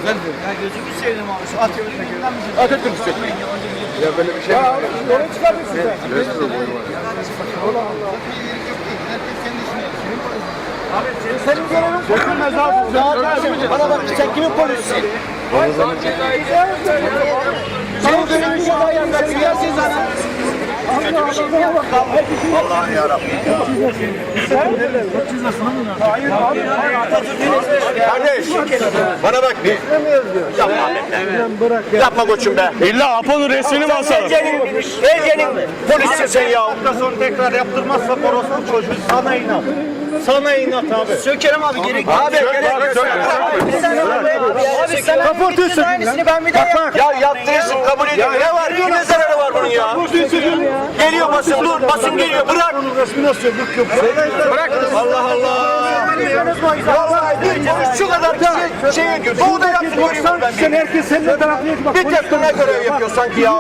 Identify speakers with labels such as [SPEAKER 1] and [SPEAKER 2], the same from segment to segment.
[SPEAKER 1] Ya gözümü sevdim abi. Şu Atatürk'ten
[SPEAKER 2] Atatürk istiyor. Ya böyle bir şey var.
[SPEAKER 3] Onu çıkartırsın sen. Senin görevin sökülmez abi.
[SPEAKER 1] Bana bak sen kimin polisisin? Senin görevin ceza yapmak. Siyasi zaten.
[SPEAKER 2] Allah'ım yarabbim.
[SPEAKER 3] Hayır abi.
[SPEAKER 2] Kardeş, bana bak bir. Yapma koçum be.
[SPEAKER 4] İlla Apo'nun resmini mi asalım?
[SPEAKER 2] Ece'nin polisi sen ya.
[SPEAKER 5] Hafta sonu tekrar yaptırmazsa orospu çocuğu sana inat. Sana inat abi.
[SPEAKER 1] Sökerim abi gerek yok.
[SPEAKER 2] Abi gerek yok.
[SPEAKER 1] Abi sen
[SPEAKER 3] Kaportuyorsun.
[SPEAKER 1] aynısını ben bir daha yapayım.
[SPEAKER 2] Ya yaptırırsın kabul ediyorum. Ne var? Kime zararı var bunun ya? Geliyor basın, dur basın geliyor. Bırak. Bırak. Allah Allah. Vallahi şu kadar şey ediyor. Doğuda yaptı göreyim ben.
[SPEAKER 3] Sen herkes senin tarafına bak.
[SPEAKER 2] Bir tek buna görev yapıyor sanki ya.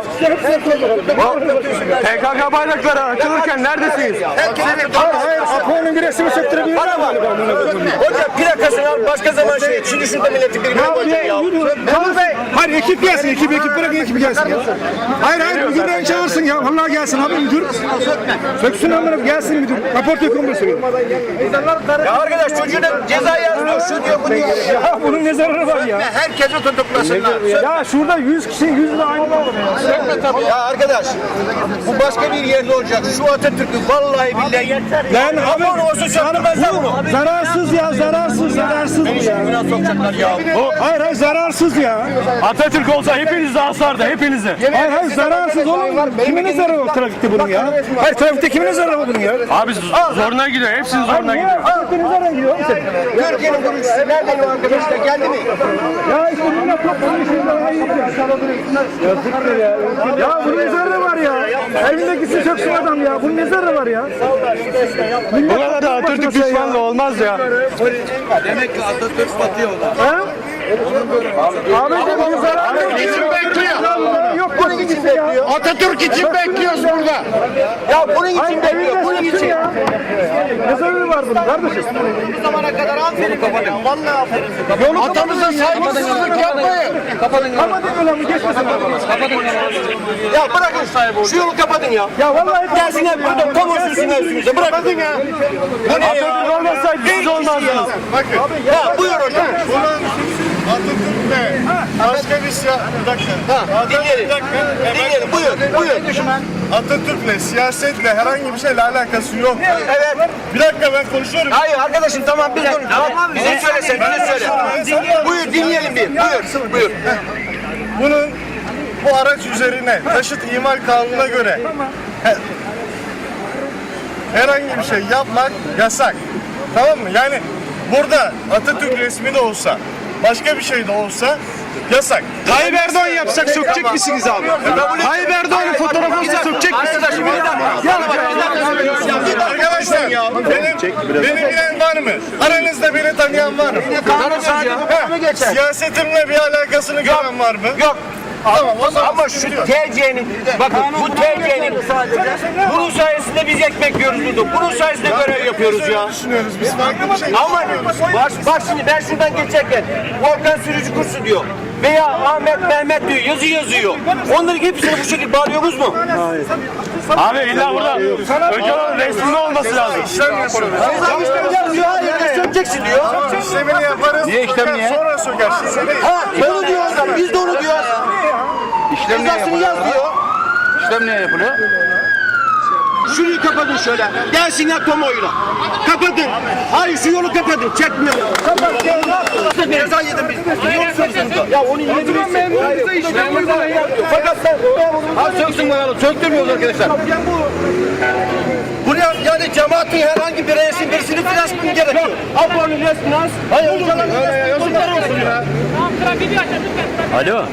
[SPEAKER 4] PKK bayrakları açılırken neredesiniz?
[SPEAKER 3] Hayır, Apo'nun bir resmi söktürebilir.
[SPEAKER 2] Bana bak. Hocam plakasını al başka zaman şey. Şimdi şurada milleti birbirine koyacak ya.
[SPEAKER 3] Memur Bey. Hayır ekip gelsin. Ekip bırakın ekip gelsin. Hayır müdürden çağırsın ya. Vallahi gelsin abi müdür. Söksün amına gelsin müdür. Rapor dökün bu sürüyor.
[SPEAKER 2] Ya arkadaş çocuğuna ceza yazmıyor. Şu diyor bu diyor.
[SPEAKER 3] Ya bunun ne zararı var ya?
[SPEAKER 2] Herkesi tutuklasınlar.
[SPEAKER 3] Ya şurada 100 kişi 100 de aynı olur ya.
[SPEAKER 2] Ya arkadaş bu başka bir yerde olacak. Şu Atatürk'ü vallahi billahi.
[SPEAKER 3] Lan abi
[SPEAKER 2] Aman olsun çarptırmazlar bunu.
[SPEAKER 3] zararsız ya zararsız bu ya.
[SPEAKER 2] Buna sokacaklar ya.
[SPEAKER 3] Hayır zararsız ya.
[SPEAKER 4] Atatürk olsa hepinizi asardı, hepinizi.
[SPEAKER 3] Hayır zararsız oğlum. Kimine zararı var trafikte bunun ya? Hayır trafikte kimine zararı var bunun ya?
[SPEAKER 4] Abi zoruna gidiyor, hepsinin zoruna gidiyor.
[SPEAKER 3] Trafikte zararı gidiyor oğlum senin.
[SPEAKER 2] Türkiye'nin kurucusu nereden o arkadaşlar geldi mi?
[SPEAKER 3] Ya işte bunun yok bunun işini daha iyi yapıyor. Yazıktır ya. Ya bunun ne zararı var ya? Evindekisi söksün adam ya. Bunun ne zararı var ya?
[SPEAKER 4] Bu kadar da Atatürk düşmanlığı olmaz ya.
[SPEAKER 1] Demek ki Atatürk batıyorlar.
[SPEAKER 3] Ha? Abicim bunun zararı yok.
[SPEAKER 2] Kim bekliyor?
[SPEAKER 3] Yok bunun için bekliyor.
[SPEAKER 2] Atatürk için bekliyoruz burada. Ya bunun için bekliyor. Bunun için.
[SPEAKER 3] Ya. Ne zararı var bunun kardeşim?
[SPEAKER 1] Bu zamana kadar aferin kapatın. Vallahi aferin.
[SPEAKER 2] Atamıza saygısızlık yapmayın.
[SPEAKER 1] Kapatın.
[SPEAKER 3] Kapatın yolu geçmesin.
[SPEAKER 2] Ya bırakın şu yolu kapatın ya.
[SPEAKER 3] Ya vallahi
[SPEAKER 2] Gelsinler burada kamu sürsünler üstümüze. Bırakın ya. Bu ne ya?
[SPEAKER 4] Atatürk olmasaydı siz olmazdınız.
[SPEAKER 2] Ya buyur hocam.
[SPEAKER 5] Atatürk'le başka bir bir dakika.
[SPEAKER 2] Dinleyelim. Dinleyelim. Buyur.
[SPEAKER 5] Atatürk'le siyasetle herhangi bir şeyle alakası yok.
[SPEAKER 2] Evet.
[SPEAKER 5] Bir dakika ben konuşuyorum.
[SPEAKER 2] Hayır arkadaşım tamam biz konuş. Tamam bize söylesen bize söyle. Buyur dinleyelim bir. Buyur.
[SPEAKER 5] Bunun bu araç üzerine taşıt imal kanununa göre herhangi bir şey yapmak yasak. Tamam mı? Yani burada Atatürk resmi de olsa başka bir şey de olsa yasak.
[SPEAKER 4] Tayyip Erdoğan yapsak sökecek misiniz abi? Tayyip Erdoğan'ın fotoğrafını sökecek misiniz?
[SPEAKER 5] Arkadaşlar beni bilen var mı? Aranızda beni tanıyan var mı? Siyasetimle bir alakasını gören var mı?
[SPEAKER 2] Yok.
[SPEAKER 5] Tamam o zaman
[SPEAKER 2] Ama şu TC'nin bakın bu TC'nin bunun sayesinde biz ekmek yiyoruz burada. Bunun sayesinde görev yapıyoruz ya.
[SPEAKER 5] düşünüyoruz biz farklı bir şey.
[SPEAKER 2] Ama bak şimdi ben şuradan geçerken Volkan sürücü kursu diyor. Veya Ahmet Mehmet diyor yazı yazıyor. Onların hepsini bu şekilde bağlıyoruz mu?
[SPEAKER 4] Abi illa burada Öcalan'ın resminin olması lazım.
[SPEAKER 5] İşlem yapıyoruz.
[SPEAKER 2] Yazıyor hayır sökeceksin diyor.
[SPEAKER 5] İşlemini yaparız.
[SPEAKER 4] Niye işlem niye?
[SPEAKER 5] Sonra söker. Şimdi değil.
[SPEAKER 2] Ha onu diyor adam biz de onu diyoruz. Cezasını yaz diyor.
[SPEAKER 4] İşlem niye yapılıyor?
[SPEAKER 2] Şurayı kapatın şöyle. Gelsinler tomoyla. Kapatın. Hayır şu yolu kapatın. Çekmiyor. Kapat. Ceza yedim biz. Yok söksün. Ya onu yedim. Fakat sen abi söksün bakalım. Söktürmüyoruz arkadaşlar. Bu yani cemaatin herhangi bir resim birisini flash mı gerekiyor? Apo'nun resmini az. Hayır hocalar kurtar olsun ya.
[SPEAKER 4] Alo.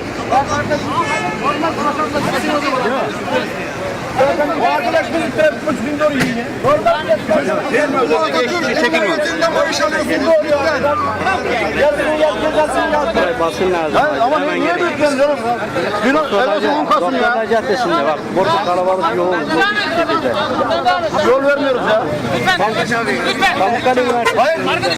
[SPEAKER 2] O arkadaş bizim trafik polisinin doğru yiyin.
[SPEAKER 6] Basın lazım.
[SPEAKER 2] Ama niye bekliyorsun canım?
[SPEAKER 6] Doktorlar Caddesi'nde bak. Burada kalabalık yoğun.
[SPEAKER 2] Yol vermiyoruz ya.
[SPEAKER 6] Pamukkale Üniversitesi.